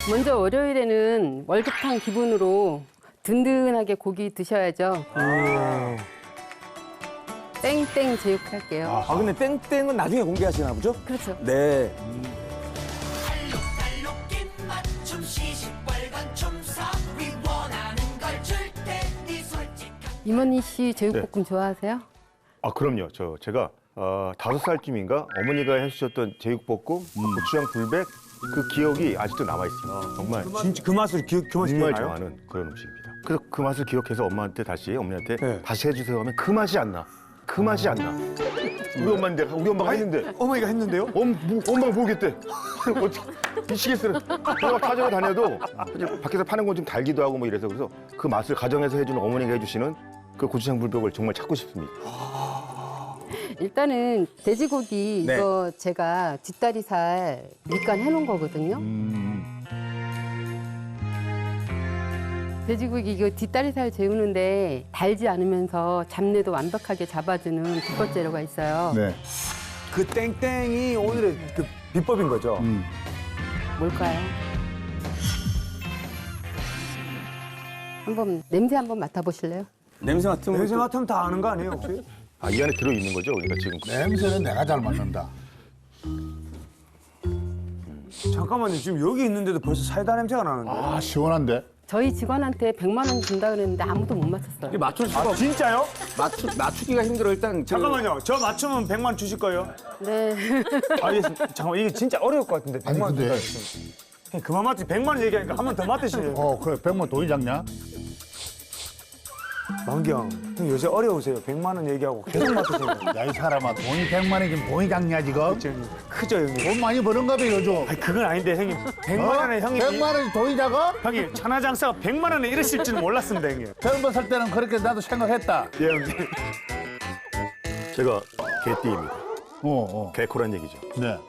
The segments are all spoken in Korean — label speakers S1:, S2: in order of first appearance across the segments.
S1: 먼저 월요일에는 월급탕 기분으로 든든하게 고기 드셔야죠. 땡땡 제육할게요.
S2: 아, 근데 땡땡은 나중에 공개하시나 보죠?
S1: 그렇죠.
S2: 네.
S1: 이모니 씨 제육볶음 좋아하세요?
S3: 아, 그럼요. 제가 5살쯤인가 어머니가 해주셨던 제육볶음, 고추장 불백 그 기억이 아직도 남아있습니다. 정말
S2: 진짜 그 맛을
S3: 정말
S2: 기억나요?
S3: 좋아하는 그런 음식입니다. 그래서 그 맛을 기억해서 어머니한테
S2: 네.
S3: 다시 해주세요 하면 그 맛이 안 나. 그 맛이 안 나. 우리 엄마가 했는데
S2: 어머니가 했는데요?
S3: 엄마가 모르겠대. 어떻게 미치겠어요. 내가 찾아다녀도 밖에서 파는 건 좀 달기도 하고 뭐 이래서 그래서 그 맛을 가정에서 해주는 어머니가 해주시는 그 고추장 불백을 정말 찾고 싶습니다.
S1: 일단은 돼지고기
S2: 네.
S1: 이거 제가 뒷다리살 밑간 해놓은 거거든요. 돼지고기 이거 뒷다리살 재우는데 달지 않으면서 잡내도 완벽하게 잡아주는 비법 재료가 있어요.
S4: 네.
S2: 그 땡땡이 오늘의 그 비법인 거죠?
S1: 뭘까요? 냄새 한번 맡아보실래요?
S2: 냄새 맡으면 다 아는 거 아니에요, 혹시?
S3: 아, 이 안에 들어있는 거죠, 우리가 지금.
S4: 냄새는 내가 잘 맡는다.
S2: 잠깐만요, 지금 여기 있는데도 벌써 사이다 냄새가 나는데.
S4: 아, 시원한데?
S1: 저희 직원한테 100만 원 준다 그랬는데 아무도 못 맞췄어요.
S5: 맞출 수가
S2: 진짜요?
S5: 맞추기가 힘들어. 일단
S2: 잠깐만요, 저 맞추면 100만 원 주실 거예요?
S1: 네.
S2: 알겠습니다. 잠깐만, 이게 진짜 어려울 것 같은데, 100만 원
S4: 근데-
S2: 준다. 그만 맞지, 100만 원 얘기하니까 한 번 더 맞으시네요.
S4: 그래, 100만 돈이 작냐?
S2: 만경, 형 요새 어려우세요. 100만 원 얘기하고 계속 맞으시네요.
S4: 야, 이 사람아, 돈이 100만이 지금 돈이 작냐, 지금?
S2: 크죠, 형님?
S4: 돈 많이 버는가 봐, 요즘.
S2: 아니, 그건 아닌데, 형님. 100만 원에 형님.
S4: 100만원이 돈이 작아?
S2: 형님, 천하장사가 100만 원에 이랬을 줄은 몰랐습니다, 형님.
S4: 젊은 살 때는 그렇게 나도 생각했다.
S2: 예, 형님.
S3: 제가 개띠입니다. 개코란 얘기죠.
S4: 네.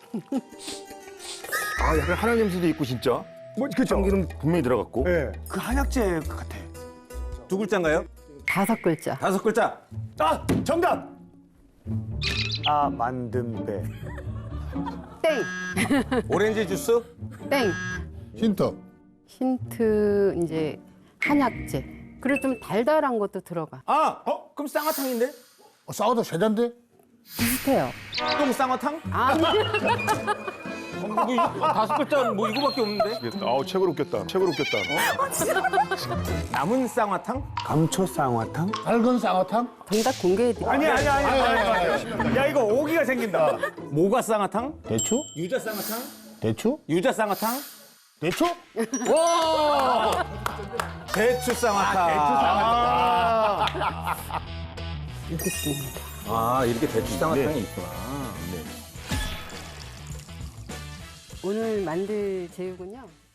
S3: 아, 약간 한약 냄새도 있고 진짜.
S2: 그죠?
S3: 참기름 분명히 들어갔고.
S2: 예. 그 한약재 같아.
S5: 두 글자인가요?
S1: 5글자.
S5: 5글자.
S2: 아, 정답! 만든 배.
S1: 땡.
S5: 오렌지 주스?
S1: 땡.
S4: 힌트.
S1: 힌트 이제 한약재. 그리고 좀 달달한 것도 들어가.
S5: 그럼 쌍화탕인데?
S4: 싸워도 세잔데?
S1: 비슷해요.
S5: 똥 쌍화탕?
S1: 아니.
S5: 5글자 뭐 이거밖에 없는데?
S3: 아우, 책으로 웃겼다. 책으로 웃겼다.
S5: 남은 쌍화탕?
S2: 감초 쌍화탕?
S4: 밝은 쌍화탕?
S1: 정답 공개해드릴게요.
S2: 아니. 야, 이거 오기가 생긴다.
S5: 모가 쌍화탕?
S4: 대추?
S5: 유자 쌍화탕?
S4: 대추?
S5: 유자 쌍화탕?
S4: 대추?
S5: 대추 쌍화탕.
S1: 이렇게 씁니다.
S5: 이렇게 대추 쌍화탕이 있구나.
S1: 오늘 만들 제육은요.